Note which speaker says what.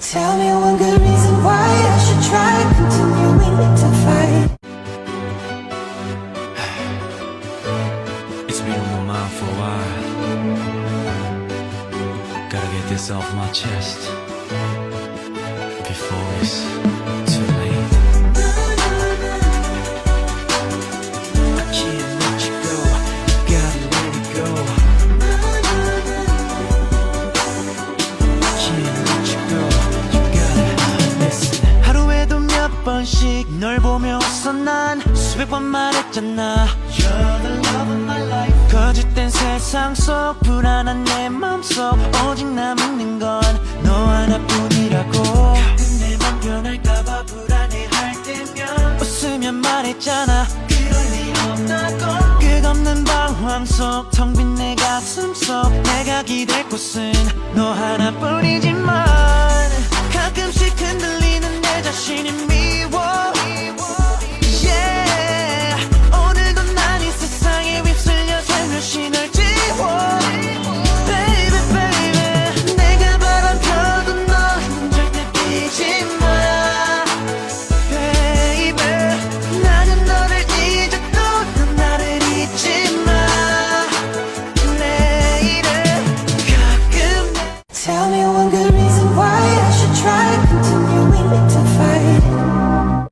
Speaker 1: Tell me one good reason why I should try continuing to fight.
Speaker 2: It's been on my mind for a while. Gotta get this off my chest before it's too late. I can't let you go, gotta let it go. I can't let you go, you gotta listen. 하루에도 몇 번씩 널 보며 웃어 난 수백 번 말했잖아. You're the love of my life. 거짓된 세상 속 불안한 내 맘속 오직 남는 건 너 하나뿐이라고. 가끔 내 맘 변할까봐 불안해할 때면 웃으며 말했잖아. 그럴 일 없다고. 끝없는 방황 속 텅 빈 내 가슴 속 내가 기댈 곳은 너 하나뿐이지.